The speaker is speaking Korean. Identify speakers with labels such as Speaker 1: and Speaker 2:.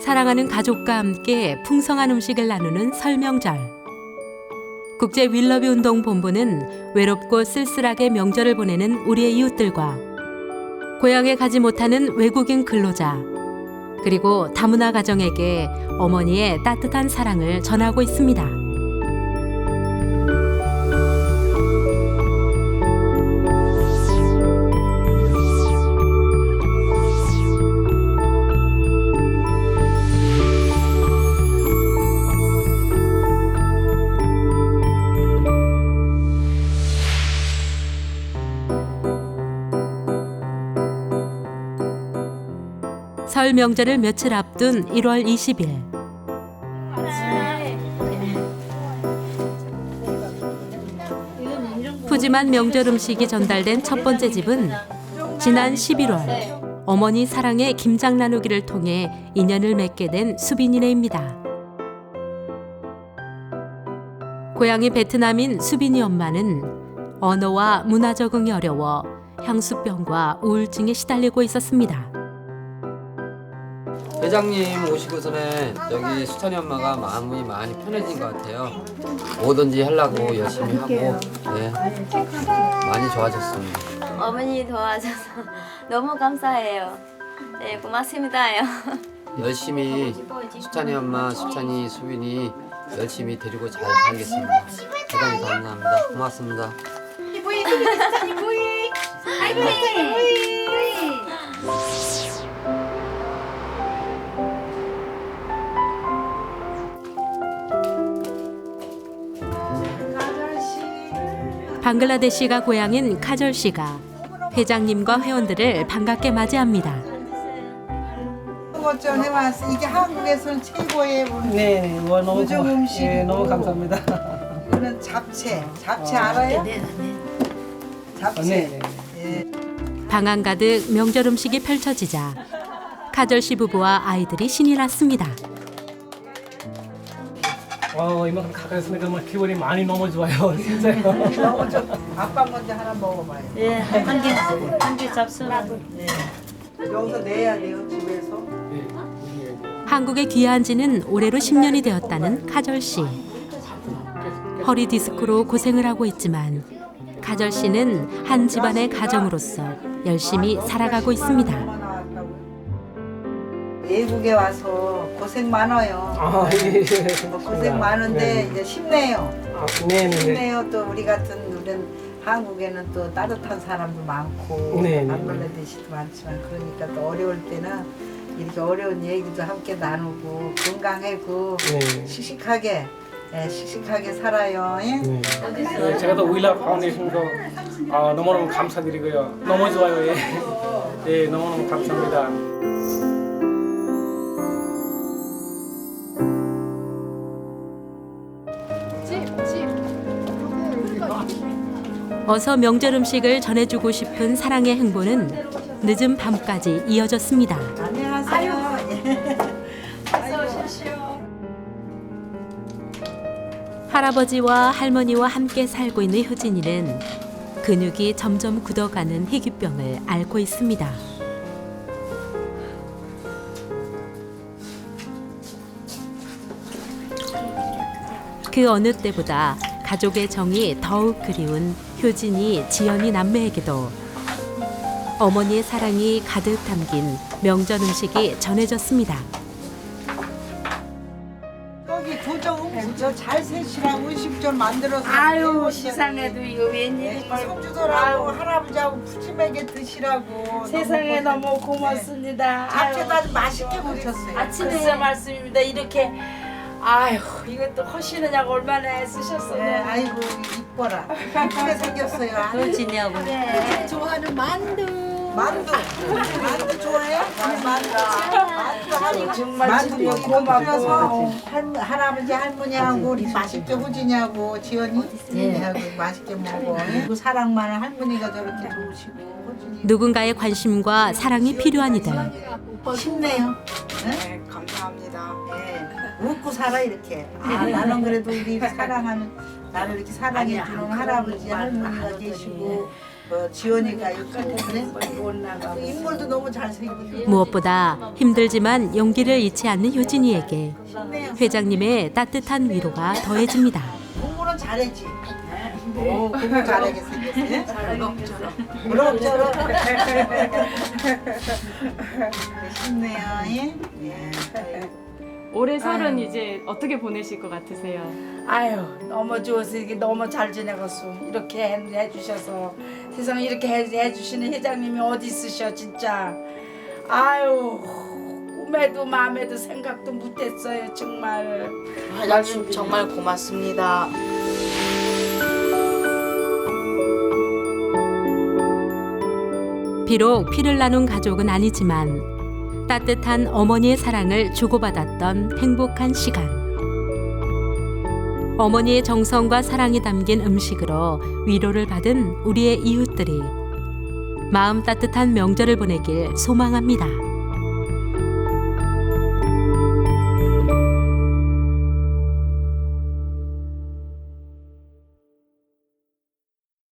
Speaker 1: 사랑하는 가족과 함께 풍성한 음식을 나누는 설 명절. 국제 윌러비 운동 본부는 외롭고 쓸쓸하게 명절을 보내는 우리의 이웃들과 고향에 가지 못하는 외국인 근로자, 그리고 다문화 가정에게 어머니의 따뜻한 사랑을 전하고 있습니다. 설 명절을 며칠 앞둔 1월 20일. 푸짐한 명절 음식이 전달된 첫 번째 집은 지난 11월 어머니 사랑의 김장 나누기를 통해 인연을 맺게 된 수빈이네입니다. 고향이 베트남인 수빈이 엄마는 언어와 문화 적응이 어려워 향수병과 우울증에 시달리고 있었습니다.
Speaker 2: 회장님 오시고 전에 여기 수찬이 엄마가 마음이 많이 편해진 것 같아요. 뭐든지 하려고 열심히 하고 네, 많이 좋아졌습니다.
Speaker 3: 어머니 도와줘서 너무 감사해요. 네, 고맙습니다요.
Speaker 2: 열심히 수찬이 엄마, 수찬이, 수빈이 열심히 데리고 잘 살겠습니다. 대단히 감사합니다. 고맙습니다.
Speaker 1: 방글라데시가 고향인 카절 씨가 회장님과 회원들을 반갑게 맞이합니다.
Speaker 4: 것 좀 해봤어. 이게 한국에서는 최고의
Speaker 5: 네, 와 너무
Speaker 4: 우정 음식.
Speaker 5: 예, 너무 감사합니다.
Speaker 4: 이거는 잡채. 잡채 알아요? 잡채.
Speaker 5: 네,
Speaker 4: 예.
Speaker 1: 방안 가득 명절 음식이 펼쳐지자 카절 씨 부부와 아이들이 신이 났습니다.
Speaker 5: 이만큼 가까이 있으니까 정말 기분이 많이 너무 좋아요, 진짜요.
Speaker 4: 너무 좋다. 아빠 먼저 하나 먹어봐요.
Speaker 3: 예, 한 개 잡수.
Speaker 4: 예. 여기서 내야 돼요, 집에서.
Speaker 1: 한국에 귀화한 지는 올해로 10년이 되었다는 카절 씨. 허리 디스크로 고생을 하고 있지만 카절 씨는 한 집안의 가정으로서 열심히 살아가고 있습니다.
Speaker 4: 외국에 와서 고생 많아요.
Speaker 5: 아, 예,
Speaker 4: 고생 많은데 이제 쉽네요.
Speaker 5: 네, 네, 네.
Speaker 4: 쉽네요. 또 우리 같은 우리는 한국에는 또 따뜻한 사람도 많고
Speaker 5: 네,
Speaker 4: 방글라데시도 많지만 그러니까 또 어려울 때는 이렇게 어려운 얘기도 함께 나누고 건강하고
Speaker 5: 네.
Speaker 4: 씩씩하게 씩씩하게 살아요. 예?
Speaker 5: 네. 네, 제가 또 우일라 파운데이션도 너무너무 감사드리고요. 너무 좋아요. 예. 네, 너무너무 감사합니다.
Speaker 4: 어서
Speaker 1: 명절 음식을 전해주고 싶은 사랑의 행보는 늦은 밤까지 이어졌습니다.
Speaker 4: 안녕하세요. 어서 오십시오.
Speaker 1: 할아버지와 할머니와 함께 살고 있는 효진이는 근육이 점점 굳어가는 희귀병을 앓고 있습니다. 그 어느 때보다 가족의 정이 더욱 그리운 효진이, 지연이 남매에게도 어머니의 사랑이 가득 담긴 명절 음식이 전해졌습니다.
Speaker 4: 여기 조정 음식 잘 세시라고 음식 좀 만들어서
Speaker 6: 아유 세상에도 이거 웬일이에요.
Speaker 4: 손주들하고 할아버지하고 푸짐하게 드시라고
Speaker 6: 세상에 너무 고맙습니다.
Speaker 4: 잡채도 아주 맛있게 무쳤어요.
Speaker 6: 아침에 말씀입니다. 이렇게 아유 이것도 하시느냐고 얼마나 애쓰셨어요.
Speaker 4: 네, 아이고 이뻐라. 이쁘게 생겼어요.
Speaker 3: 효진이하고.
Speaker 6: 좋아하는 만두.
Speaker 4: 만두 좋아해요? 만두 하고
Speaker 6: 정말
Speaker 4: 만두
Speaker 6: 진짜
Speaker 4: 여기
Speaker 6: 고맙고.
Speaker 4: 끓여서 할아버지 할머니하고 우리 맛있게 호진이하고 지연이 하고 맛있게 먹어. 그 사랑 많은 할머니가 저렇게 좋으시고 호진이
Speaker 1: 누군가의 관심과 사랑이 필요한 이들.
Speaker 4: 쉽네요.
Speaker 6: 네, 감사합니다.
Speaker 4: 웃고 살아 이렇게. 나는 그래도 우리 사랑하는 나를 이렇게 사랑해주는 할아버지 할머니가 계시고 지원이가 있고 그래. 그 인물도 너무 잘생기고.
Speaker 1: 무엇보다 힘들지만 용기를 잃지 않는 효진이에게 회장님의 따뜻한 위로가 더해집니다.
Speaker 4: 공부는 잘했지. 오, 공부 잘하게 생겼네. 그럭저럭. 쉽네요. 예?
Speaker 7: 올해 설은 이제 어떻게 보내실 것 같으세요?
Speaker 6: 아유 너무 좋아서 이게 너무 잘 지내겠어. 이렇게 해주셔서 세상에 이렇게 해주시는 회장님이 어디 있으셔 진짜. 아유 꿈에도 마음에도 생각도 못했어요 정말.
Speaker 8: 회장님 정말 고맙습니다.
Speaker 1: 비록 피를 나눈 가족은 아니지만 따뜻한 어머니의 사랑을 주고받았던 행복한 시간. 어머니의 정성과 사랑이 담긴 음식으로 위로를 받은 우리의 이웃들이 마음 따뜻한 명절을 보내길 소망합니다.